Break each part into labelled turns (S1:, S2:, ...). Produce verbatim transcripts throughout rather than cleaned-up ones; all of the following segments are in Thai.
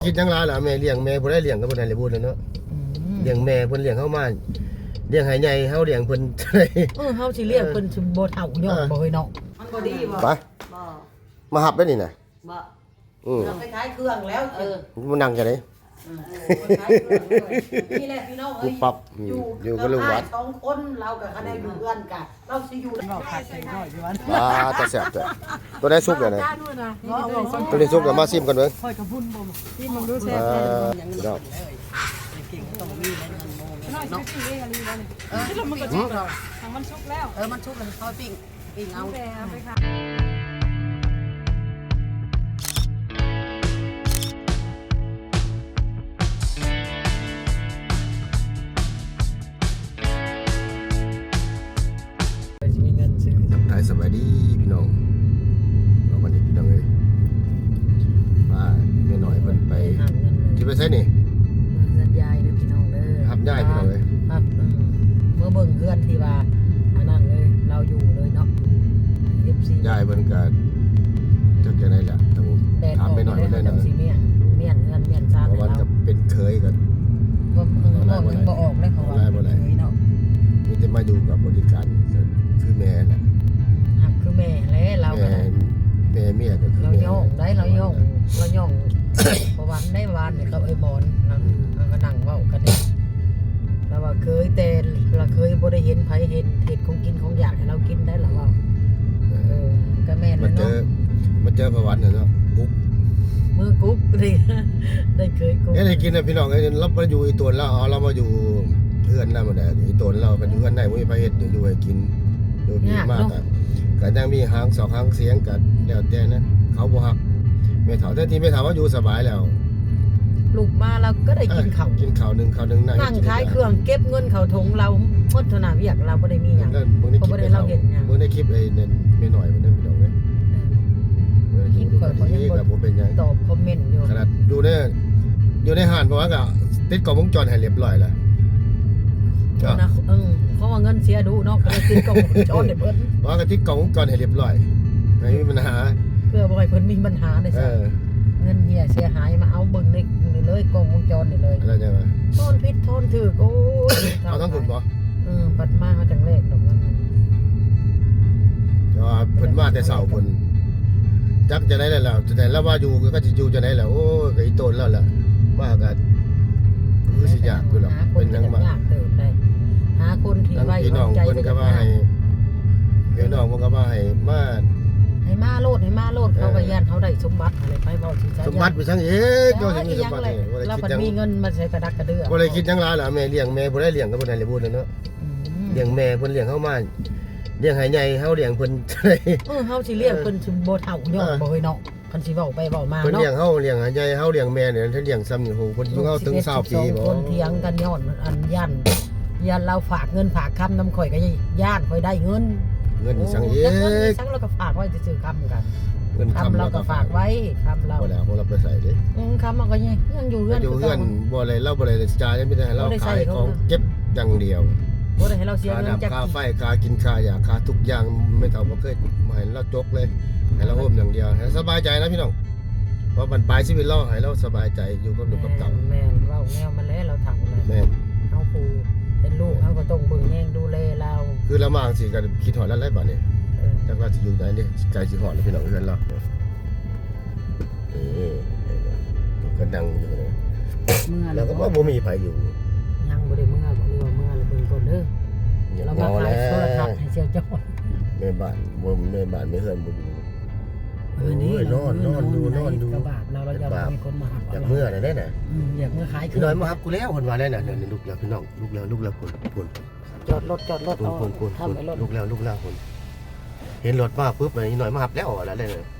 S1: คิดจังไรล่ะแม่เลี้ยงแม่บ่ได้เลี้ยงก็บ่ได้เลยพูดเลยเนาะเลี้ยงแม่เพิ่นเลี้ยงเฮามาเลี้ยงให้ใหญ่เฮาเลี้ยงเพิ่น
S2: เออเฮาสิเลี้ยงเพิ่นสิบ่เฒ่าย่อมบ่เฮ้ยเนาะ
S3: มันบ่ดีบ่
S1: ไป
S3: บ่
S1: มาหับได้นี่น่ะ
S3: บ่
S1: อือ
S3: เราไปขายเครื่องแล้วเออ
S1: มันนั่งจังได๋
S3: นี่แหละพี่น้องเอ้ย
S1: อยู่อยู่กับลุงวัด
S3: สองคนเราก็คันได้อยู่เพื่อนกันเราสิอยู่เราผัดใส่น้อยอยู่วัน
S1: ว้าตาแซ่บจ้ะตัวได้สุกแล้วนะตัวได้สุกแล้วมาซิมกันเบิ่ง
S2: ค่อยกับพุ่นบ่ที่มันรู้แซ่บ
S1: พี่น้อง
S3: เก่งต้องมีในเงินโมเนาะ
S2: เออมันก็สุกแล้วทางมันสุกแล้ว
S3: เออมันสุกแล้วค่อยปิ้งปิ้งเอา
S2: ไปค่ะ
S1: ไทยสบายดีพี่น้องวันนี้พี่น้องเอ้ยมาแม่น้อยเพิ่นไปที่ไปไสนี่
S2: สัญญาเด้อพี่น้องเด้อ
S1: หับย้ายพี่น้องเอ้ย
S2: ครับเมื่อเบิ่งเพื่อนที่ว่าอันนั้นเลยเราอยู่เลยเนาะ เอฟ ซี
S1: ย้ายเพิ่นก็จักจังได๋ล่ะต้องถามแม่น้อยเพิ่นได้นะ
S2: สิเมียนเมียนเงินเมียนซ่านให้เรา
S1: ก็เป็นเคยกัน
S2: บ่เออบ่ถึงบ่ออกเลยเพราะว่าเคยเนาะ
S1: มีแต่มาอยู่กับบริการคือแม่แหละ
S2: คือแม่แล้วเราก็
S1: แม่เมียก็คือ
S2: เราย่องได้เราย่องเราย่องเพราะวันได้วานเนี่ยกับไอ้บอลเราก็นั่งเว้ากันนี่เราว่าเคยแต่เราเคยบ่ได้เห็นไผเห็นเห็ดของกินของอยากให้เรากินได้หรอว่าเออก็แม่นแล้วเนาะ
S1: มาเจอประวัติเนาะกุ๊ก
S2: มือกุ๊กดิได้เคยกุ๊ก
S1: ได้กินนะพี่น้องไอ้เราไปอยู่อีตัวเราเอาเรามาอยู่เพื่อนนั่นมาได้อีตัวเรากันอยู่เพื่อนได้บ่มีไผเฮ็ดอยู่ให้กินโดยมีมากอ่ะก็ยังมีหางสองหางเสียงกันแล้วแต่นั้นเขาบ่ฮักแม่เฒ่าแต่ที่แม่เฒ่าว่าอยู่สบายแล้ว
S2: ลูกมาเราก็ได้กินข้าว
S1: กินข้าวนึงข้าวนึง
S2: นั่งขายเครื่องเก็บเงินเข้าถุงเราหมดเท่านั้นเวียกเราบ่ได้มีหยัง
S1: บ่ได้เราเห็นหยังบ่ได้คลิปไอ้นั่นแม่น้อยมันได้พี่น้องเอ้ย
S2: คลิปข่อยก็ยังบ่เป็นหยังตอบคอมเมนต์อยู่
S1: ขนาดอยู่ในอยู่ในห้างเพราะว่าก็ติดกล้องวงจรให้เรียบร้อยแล้ว
S2: นะเออเพราะว่าเงินเสียดูเนาะก็เลยติดกล้องวงจรให้เพิ่น
S1: ว่าก็ติดกล้องวงจรให้เรียบร้อยไม่มีปัญหา
S2: เพื่อบ่ให้เพิ่นมีปัญหาได้ซะเงินเฮียเสียหายมาเอาเบิ่งในนี่เลยกล้องวงจรนี่เลย
S1: อะไรจังว่า
S2: โทนผิดโทนถูกโอ้ย
S1: เอาทั้งคุณบ่
S2: เออปัดมาเฮาจังเลขดอกนั้น
S1: ก็เพิ่นมาแต่เช้าเพิ่นจักจะได้แล้วแต่แล้วว่าอยู่ก็สิอยู่จะได้แล้วโอ้ก็อีโตนแล้วล่ะว่าก็คือสิยากอยู่หรอกเป็นยังมา
S2: หาคนที่ไว้
S1: พี่น้องเพิ่นก็ว่าให้พี่น้องเพิ่นก็ว่าให้มา
S2: ให้มาโลดให้มาโลดเขาก็ย่านเขาได้สมบัติอะไรไปเว้าสิ
S1: สมบัติไปซั่งเอ๊ะก็สิมีสมบัติ
S2: แล้วมันมีเงินมาใช้กระดักกระเดือ
S1: บ่ได้คิดจังหลายล่ะแม่เลี้ยงแม่บ่ได้เลี้ยงก็บ่ได้เลยพูดเนาะเลี้ยงแม่เพิ่นเลี้ยงเฮามาเลี้ยงให้ใหญ่เฮาเลี้ยงเพิ่น
S2: เออเฮาสิเลี้ยงเพิ่นสิบ่เฒ่าย่อมบ่เฮ้ยเนาะคันสิเว้าไปเว้ามาเนาะ
S1: เพิ่นเลี้ยงเฮาเลี้ยงให้ใหญ่เฮาเลี้ยงแม่เนี่ยถ้าเลี้ยงซ้ำนี่โหเพิ่นอยู่เฮาถึงยี่สิบปีบ่
S2: คนเถียงกันย้อนอันย่านย่านเราฝากเงินฝากคำนำข่อยก็ย่านข่อยได้เงิน
S1: เงินสังเอก
S2: สังเราก็ฝากไว้ซื่อๆคำกันเงินคำเราก็ฝากไว้คำเรา
S1: บ่แล้วบ่เราไปใส่เด้
S2: อือคำมันก็ยังยังอยู่เฮือน
S1: อยู่เฮือนบ่ได้เราบ่ได้จ่ายไม่ได้ให้เราขายของเก็บอย่างเดียว
S2: บ่ได้ให้เราเสียเงิน
S1: จักค่าไฟค่ากินค่ายาค่าทุกอย่างไม่เท่าบ่เคยบ่ให้เราจกเลยให้เราโฮมอย่างเดียวให้สบายใจนะพี่น้องเพราะมันปลายชีวิตเราให้เราสบายใจอยู่กับลูกกับเต้า
S2: แม่นเว้าแนวมาแล้วเราถามเลย
S1: แม่น
S2: เฮาผู้เป็นลูกเฮาก็ต้องเบิ่งแยงดูแลเรา
S1: คือละมางสิก็คิดฮอดแล้วหลายบัดนี้จักว่าสิอยู่ไหนนี่ไกลสิฮอดแล้วพี่น้องเฮือนเราเออก็นั่งอยู่เลยแล้วก็บ่มีไผอยู่
S2: ยังบ่ได้เมื่อบ่รู้ว่าเมื่อแล้วเบิ่งก่อนเด้อเรามาขายโทรทัศน์ให้เสี่ยวจ้อย
S1: แม่บ้านบ่แม่บ้านไม่เฮือนบ่อยู่
S2: เออนี่
S1: นอนนอนดูนอนดู
S2: กระบาดเราเราจะมีคนมาหับ
S1: อยากเมื่อน่ะได้น่ะ
S2: อืมอยากเมื่อขาย
S1: คือน้อยมาหับกูแล้วเพิ่นว่าได้น่ะเดี๋ยวนี้ลุกแล้วพี่น้องลุกแล้วลุกแล้วพุ่นพุ่น
S2: จอดรถจอดรถเอา
S1: ทำไอ้รถลุกแล้วลุกแล้วพุ่นเห็นรถมาปุ๊บนี่น้อยมาหับแล้วอะไรได้เลย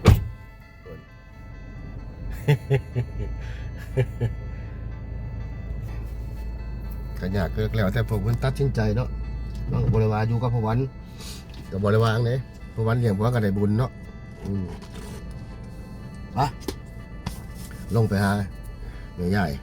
S1: ก็ยากเกินแล้วแต่ผมเพิ่นตัดสินใจเนาะน้องบ่ได้ว่าอยู่กับพ่อวันก็บ่ได้ว่าจังได๋พ่อวันเลี้ยงพ่อก็ได้บุญเนาะอืมไปลงไปหาแม่ใหญ่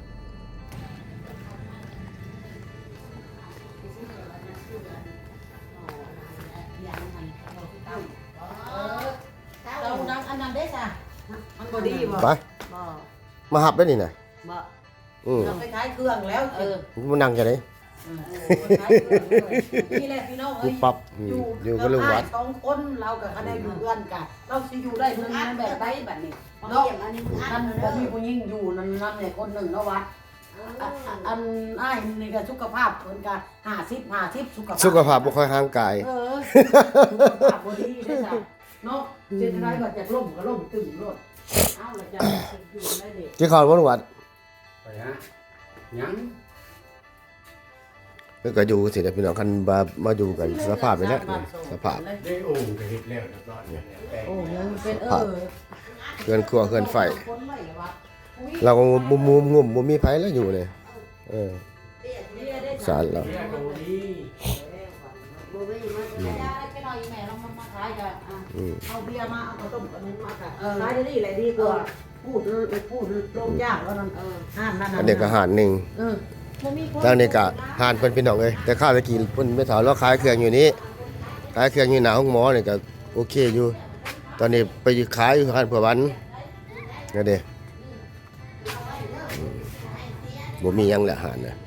S3: เราดังอันนั้นได้จ้ะมันบ่ดีบ่
S1: ไป
S3: บ่
S1: มาหับได้นี่น่ะ
S3: บ่
S1: อืม
S3: เราไปขายเครื่องแล้วเออ
S1: มันนั่งจังได๋
S3: นี่แหละพี่น้องเอ้ย
S1: ปั๊บอยู่อยู่กับลุงวัด
S3: สองคนเรากับเขาได้อยู่เพื่อนกันเราสิอยู่ได้มึงนั่นแบบใดแบบนี้เนาะอันนี้มึงอันบ่มีผู้หญิงอยู่นั่นนั่นเนี่ยคนหนึ่งเนาะวัดอันอ้ายนี่ก็สุขภาพเพิ่นก็ห้าสิบ ห้าสิบสุขภาพ
S1: สุขภาพบ่ค่อยห่างกาย
S3: เออสุขภาพบ่ดีได้จ้ะเนาะเจ็ดไรก็จะล่มก็ล่มตึงโลดเอ้าแล้วจะอยู่ได้เด็ก
S1: กินข้าวบ่ลุงวัด
S4: ไปฮะยัง
S1: เพิ่นก็อยู่สิได้พี่น้องคันมามาอยู่กันสภาพนี่แหละสภาพ
S4: ได้โอ่งก็เฮ็ดแล้วเรียบร้อยแล้วแต่
S3: โอ้ยังเป็นเออ
S1: เฮือนครัวเฮือนไฟ
S3: คนไม่วัด
S1: เราก็มุมมุมงุ่มบ่มีไผแล้วอยู่เลยเออสารเรา
S4: เรียกโอ้ดี
S3: บ่มีมันจะได้ไปหน่อยแม่ลองมาขายกันอ่ะ
S1: อืม
S3: เอาเบียร์มาเอาข้าวต้มกันนี้มาค่ะขายได้ดีเลยดีกว่าพูดพูดลงยากแล้วนั่นห้ามนั่น
S1: อันนี้ก็หารหนึง
S3: เออบ่มีคน
S1: ทางนี้ก็หารเพิ่นพี่น้องเอ้ยแต่ข้าวตะกี้เพิ่นไม่ถามเราขายเครื่องอยู่นี้ขายเครื่องอยู่หน้าห้องหมอนี่ก็โอเคอยู่ ตอนนี้ไปขายอยู่ร้านเพื่อวันนั่นเด้บ่มีหยังแหละหารน่ะ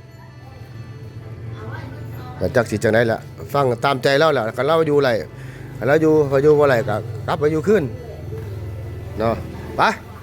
S1: ก็จักสิจังได๋ล่ะฟังตามใจเราแหละคันเราอยู่ไรคันเราอยู่เขาอยู่บ่ไรก็กลับไปอยู่คืนเนาะไป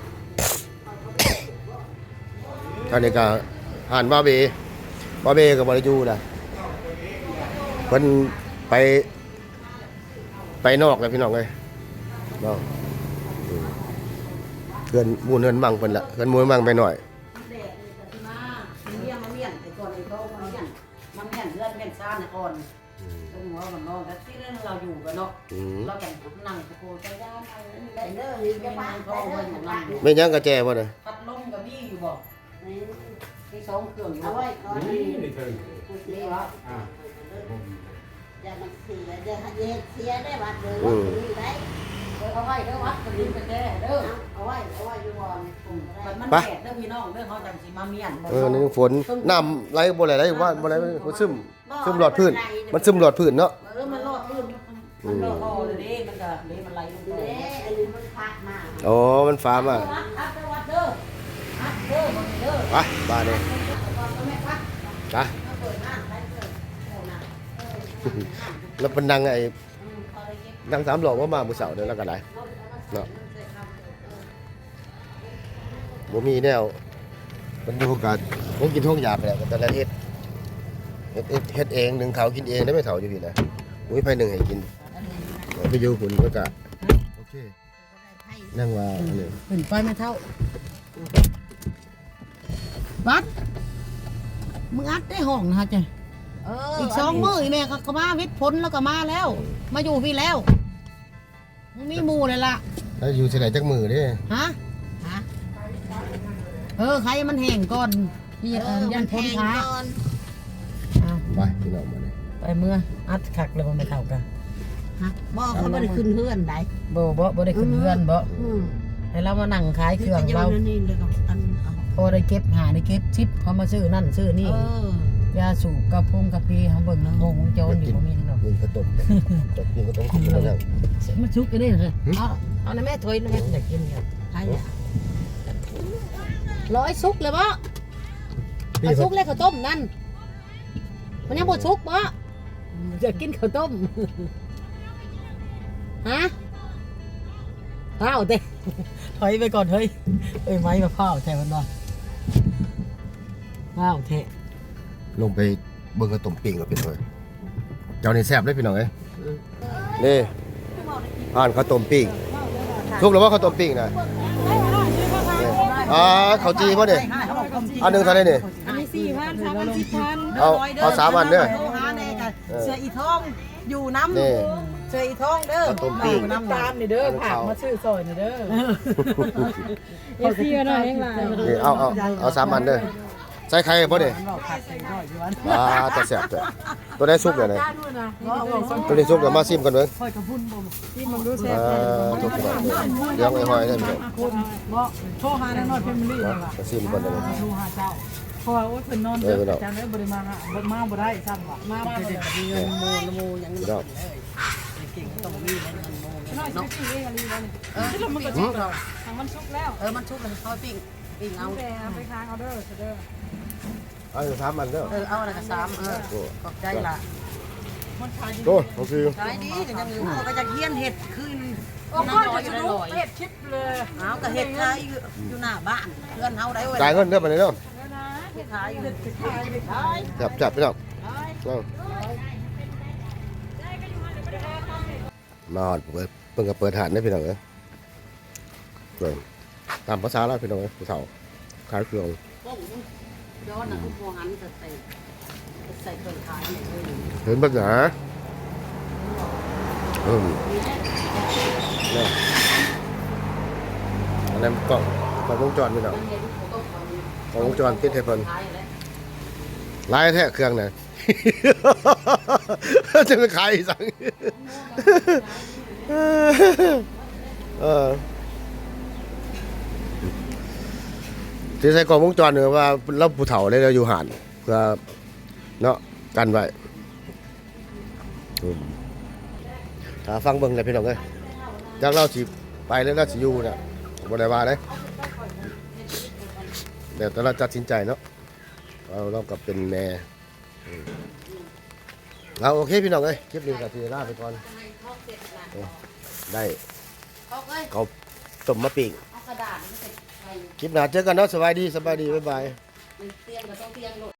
S1: ท่านนี้ก็หานบาเบบาเบกับบริจูนะเพิ่นไปไปนอกแล้วพี่น้องเอ้ยเนาะอืมเพื่อนหมู่เฮือนมั่งเพิ่นละเพื่อนหมู่มั่งไปหน่อย
S3: แดดนี่ก็มาเมียมาเมียนแต่ก่อนไอ้เขามาเมียนมาเมียนเพื่อนเมียนซ่านก่อนตรงหัวมันนอนแต่ที่นั่นเราอยู่กันเนาะ
S1: อืม
S3: เราแต่งนั่งตะโกนใจย่านอะไรนี่ได้เด้อนี่จะบ้านทองเพิ่นของเราอยู่
S1: แม่นยังกระแจบ่น่ะ
S3: พัดลมกับมีอยู่บ่มีสองเครื่องอยู่เอาไว้ก่อน
S4: นี่นี่เพิ่น
S3: นี่วะ
S4: อ่า
S5: อย่ามันเสียเดี๋ยวเย็นเสียได้บัดเลย
S1: อื
S5: ว่าม นี่ได้
S3: เอาไว้เด้อวัดกับดินกระแจเด้อ
S5: เอาไว้เอาไว้อยู่บ่อนผมก็ได้
S3: มันแดดเด้อพี่น้องเด้อเขาจังสิมาเมียนบ่
S1: เออนี่ฝนน้ำไหลบ่ไหลไหลว่าบ่ไหลมันซึมซึมหลอดพื้นมันซึมหลอดพื้นเนาะ
S3: เออมันรอดพื้นมันรอดคอเลยเด้มันก็เด้มันไหลลงไป
S5: เด้อันนี้มันพักมา
S1: อ๋อมันฟ้ามา
S3: วัดพัดวัดเด้อพัดเด้อบ่เด้อ
S1: ไปบ้านนี่
S3: ก่อนก็แม่พัด
S1: ไป
S3: มาเปิดหน้าไปเปิดโอ้น่ะ
S1: แล้วเพิ่นนั่งไอ้
S3: อืมพอได้เก็บ
S1: นั่งสามหลอกว่ามามื้อเช้านี่แล้วก็ได้เนาะบ่มีแนวมันอยู่กับผมกินท้องหยาบไปแล้วก็แต่ละเฮ็ดเฮ็ดเฮ็ดเฮ็ดเองหนึ่งเขากินเองได้ไม่เฒ่าอยู่พี่นะบ่มีไผหนึ่งให้กินไปอยู่หุ่นก็กะโอเคนั่งว่าอันนี้
S3: ขึ้นไปไม่เท่าวัดมึงอัดได้ห้องนะฮะจ้ะ
S5: เออ
S3: อีกสองมื้ออีแม่ก็ก็มาวิทย์ผลแล้วก็มาแล้ว มาอยู่พี่แล้วมึงมีหมู่เลยล่ะ
S1: แล้วอยู่ที่ไหนจักมือเด้
S3: ฮะฮะเออใครมันแห้งก่อนนี่เออยันพ้นขาอ่ะ
S1: ไปพี่น้องมาเลย
S3: ไปเมื่ออัดคักเลยบ่ไม่เท่ากัน
S5: ฮะบ่เขาบ่ได้ขึ้นเฮือนได้
S3: บ่บ่บ่ได้ขึ้นเรือนบ่
S5: อืม
S3: ให้เรามานั่งขายเครื่อง
S5: นี่
S3: เรา
S5: ก็อยู่นี่เลยก็อันเอา
S3: พอได้เก็บหาได้เก็บชิปเขามาซื้อนั่นซื้อนี่
S5: เออย
S3: าสูบกระพงกระพีเขาเบิ่งนะงงวงจรอยู่บ่มีหรอก
S1: ยิงกระต้มกดยิงกระต้มกินแล้วนั่ง
S3: มันชุกกันนี่เลยเอาเอาในแม่ถอยในแม่อยากกินเนี่ย
S5: ใครอ่ะ
S3: ร้อยซุกเลยบ่เอาซุกเลยข้าวต้มนั่นมันยังบ่ซุกบ่อยากกินข้าวต้มฮะข้าวเต้ถอยไปก่อนเฮ้ยเอ้ยไม้มาข้าวแท้มันบ่ข้าวเทะ
S1: ลงไปเบิ่งกระต้มปิ้งกับพี่น้องเจ้านี่แซ่บเลยพี่น้องเอ้ยนี่อ่านข้าวต้มปิ้งทุกหรือว่าข้าวต้มปิ้งนะอ่าข้าวจีบ่เนี่ยอันหนึงเท่าไหร่นี่
S3: อันนี้สี่พันสามพันสิบพัน
S1: เอาเอาสามอันเด้อ
S3: หาแน่กันเสืออีทองอยู่น้ำ
S1: นี่
S3: เสืออีทองเด้อ
S1: ข้าวต้มปิ้ง
S3: น้ำตาลนี่เด้อผักมาซื้อซอยนี่เด้อเอฟซีก็ได้เองล่ะ
S1: นี่เอาเอาเอาสามอันเด้อใส่ไข่บ่เนี่ย
S3: มันบอกผักใส่ร้อยอยู่วัน
S1: อ่าแต่แซ่บตัวตัวได้สุกเดี๋ยวไหน
S3: ก็เอาส้ม
S1: ตัวนี้สุกเดี๋ยวมาซิมกันเบิ่ง
S3: ค่อยกระพุ่นบ่ที่มันรู้แซ่
S1: อ่
S3: บ
S1: าทุกคนเดี๋ยวไอ้หอยได้พี่น้อง
S6: คุณบ่โทรหาแน่นอนเฟมิลี่นั่นล่ะ
S1: มาซิมกันเลย
S6: โทรหาเจ้าเพราะว่าโอ้ยเพิ่นนอน
S1: เออเนาะ
S6: จังได้บ่ได้มาหาบ่มาบ่ได้ซ้ำว่ะมาบ่ได้
S3: มีเงินโมนโมยัง
S1: พี่น้อง
S3: เก่งต้องมีเงินโม
S6: น้อยสิกินเองอะไรบ่นี่เออแล้วมันก็สุกแล้วทางมันสุกแล้ว
S3: เออมันชุบเลยเขาปิ้งปิ้งเอา
S6: เอาแต่ไปค้างเอาเด้อเด้อ
S1: เอาสามอันเด้อ
S3: เออเอาอะไรก็สามเออขอบใจล่ะ
S6: มันขายอยู่
S1: โอ้โอเค
S3: ขายดีก็ยังอยู่ก็จะเฮียนเห็ดคือ
S6: โอ้
S3: น้
S6: ก็
S3: อย
S6: จะ
S3: อยู่
S6: ส
S3: ได้
S6: นุ
S3: ล
S6: ก
S3: อย
S6: เฮ็ดชิปเลย
S3: เอาก็เห็ดขายอยู่อยู่หน้าบ้านเพื่อนเฮาได้เว้ย
S1: จ่ายเงินเด้อบัดนี้เด้อ
S6: แล้วนะ
S3: เห็ดขายอยู่
S6: เฮ็ดขายไปขาย
S1: จับจับพี่น้องเอามาเปิดเพิ่งก็เปิดหาดได้พี่น้องเอ้ยเปิดตามภาษาแล้วพี่น้องเอ้ยผู้เฒ่าขายเครื่อง
S3: ป้องย้อนน่ะทุกโมหันจะใส่ใส่เครื่องขายเนี่ยเลย
S1: เห็นบักหนาอืมนี่อันนั้นกล่องกล่องวงจรพี่น้อง
S3: มันเห็นโต๊ะของ
S1: กล่องวงจรติดให้เพิ่น
S3: ขายแล้ว
S1: ลายแท้เครื่องน่ะ จะไปขายอีกสั่งเออที่ใส่กล่องวงจรเนี่ยว่าเราผู้เฒ่าเลยเราอยู่ห่านเพื่อเนาะกันไว้อืมถ้าฟังเบิ่งเลยพี่น้องเอ้ยจากเราสิไปแล้วเราสิอยู่น่ะบ่ได้ว่าเด้เดี๋ยวแต่เราตัดสินใจเนาะเราเรากับเป็นแม่อืมเอาโอเคพี่น้องเอ้ยคลิปนี้ก็สิลาไปก่อนเออได้
S3: เขาเอ้ย
S1: เขาต้มมะปิ่ง
S3: เอากระดาษนี่ใส่
S1: คลิปหน้าเจอกันเนาะสบายดีสบายดีบ๊ายบาย
S3: เตียงก็ต้องเตียงโลด